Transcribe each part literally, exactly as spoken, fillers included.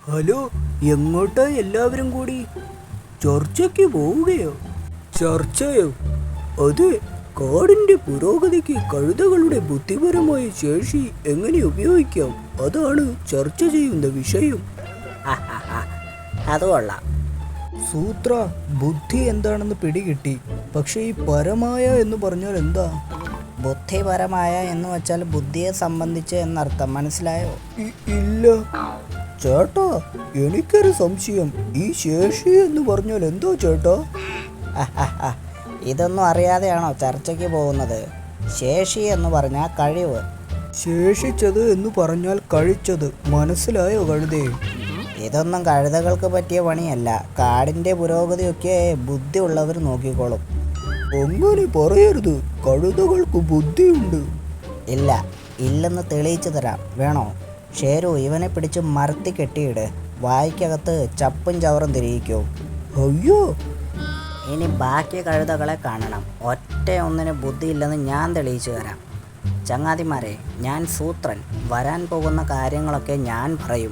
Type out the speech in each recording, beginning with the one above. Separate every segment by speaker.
Speaker 1: Hello, എങ്ങോട്ടാ എല്ലാവരും കൂടി? ചർച്ചയ്ക്ക് പോവുകയോ? ചർച്ചയോ? അതെ, കാടിന്റെ പുരോഗതിക്ക് കഴുതകളുടെ ബുദ്ധിപരമായ ശേഷി എങ്ങനെ ഉപയോഗിക്കാം, അതാണ് ചർച്ച ചെയ്യുന്ന വിഷയം.
Speaker 2: അത് കൊള്ളാം.
Speaker 1: സൂത്ര, ബുദ്ധി എന്താണെന്ന് പിടികിട്ടി. പക്ഷെ ഈ പരമായ എന്ന് പറഞ്ഞാൽ എന്താ?
Speaker 2: ബുദ്ധിപരമായ എന്ന് വെച്ചാൽ ബുദ്ധിയെ സംബന്ധിച്ച് എന്നർത്ഥം, മനസ്സിലായോ?
Speaker 1: ഇല്ല ചേട്ടാ, എനിക്കൊരു സംശയം. ഈ ശേഷി എന്ന് പറഞ്ഞാൽ എന്തോ ചേട്ടാ?
Speaker 2: ഇതൊന്നും അറിയാതെയാണോ ചർച്ചയ്ക്ക് പോകുന്നത്? ശേഷി എന്ന് പറഞ്ഞാൽ കഴിവ്.
Speaker 1: ശേഷിച്ചത് എന്ന് പറഞ്ഞാൽ കഴിച്ചത്, മനസ്സിലായോ കഴുതേ?
Speaker 2: ഇതൊന്നും കഴുതകൾക്ക് പറ്റിയ പണിയല്ല. കാടിന്റെ പുരോഗതിയൊക്കെ ബുദ്ധി ഉള്ളവർ നോക്കിക്കോളും.
Speaker 1: അങ്ങനെ പറയരുത്, കഴുതകൾക്ക് ബുദ്ധിയുണ്ട്.
Speaker 2: ഇല്ല, ഇല്ലെന്ന് തെളിയിച്ചു തരാം. വേണോ? ഷേരു, ഇവനെ പിടിച്ച് മരത്തി കെട്ടിയിട്. വായിക്കകത്ത് ചപ്പും ചവറും തിരിയിക്കോ.
Speaker 1: അയ്യോ,
Speaker 2: ഇനി ബാക്കി കഴുതകളെ കാണണം. ഒറ്റ ഒന്നിന് ബുദ്ധിയില്ലെന്ന് ഞാൻ തെളിയിച്ചു തരാം. ചങ്ങാതിമാരെ, ഞാൻ സൂത്രൻ. വരാൻ പോകുന്ന കാര്യങ്ങളൊക്കെ ഞാൻ പറയും.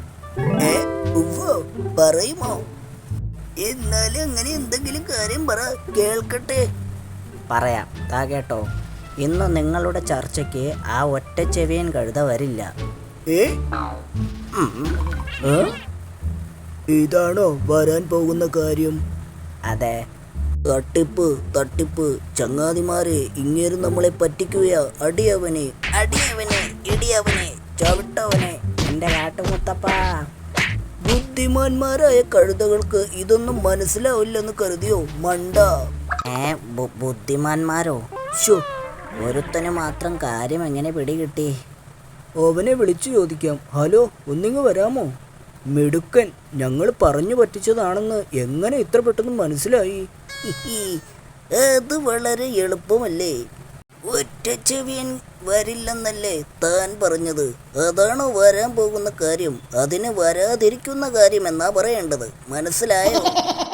Speaker 1: പറയുമോ? എന്നാലും അങ്ങനെ എന്തെങ്കിലും കാര്യം പറ, കേൾക്കട്ടെ.
Speaker 2: പറയാം, താ കേട്ടോ. ഇന്ന് നിങ്ങളുടെ ചർച്ചയ്ക്ക് ആ ഒറ്റ ചെവിയൻ കഴുത വരില്ല.
Speaker 1: ഏ ഇതാണോ വരാൻ പോകുന്ന കാര്യം?
Speaker 2: അതെ.
Speaker 1: തട്ടിപ്പ് തട്ടിപ്പ് ചങ്ങാതിമാരെ, ഇങ്ങേരും നമ്മളെ പറ്റിക്കുകയാ. അടിയവനെ
Speaker 2: അടിയവനെ ഇടിയവനെ ചവിട്ടവനെ എൻ്റെ കാട്ടുമുത്തപ്പ.
Speaker 1: ബുദ്ധിമാന്മാരായ കഴുതകൾക്ക് ഇതൊന്നും മനസ്സിലാവില്ലെന്ന് കരുതിയോ മണ്ട?
Speaker 2: ഏ ബുദ്ധിമാന്മാരോ?
Speaker 1: ശോ,
Speaker 2: ഒരുത്തന് മാത്രം കാര്യം എങ്ങനെ പിടികിട്ടി?
Speaker 1: അവനെ വിളിച്ചു ചോദിക്കാം. ഹലോ, ഒന്നിങ്ങ് വരാമോ? മിടുക്കൻ, ഞങ്ങൾ പറഞ്ഞു പറ്റിച്ചതാണെന്ന് എങ്ങനെ ഇത്ര പെട്ടെന്ന് മനസ്സിലായി?
Speaker 2: അത് വളരെ എളുപ്പമല്ലേ. ഒറ്റ ചെവിയൻ വരില്ലെന്നല്ലേ താൻ പറഞ്ഞത്? അതാണോ വരാൻ പോകുന്ന കാര്യം? അതിന് വരാതിരിക്കുന്ന കാര്യം എന്നാ പറയേണ്ടത്, മനസ്സിലായോ?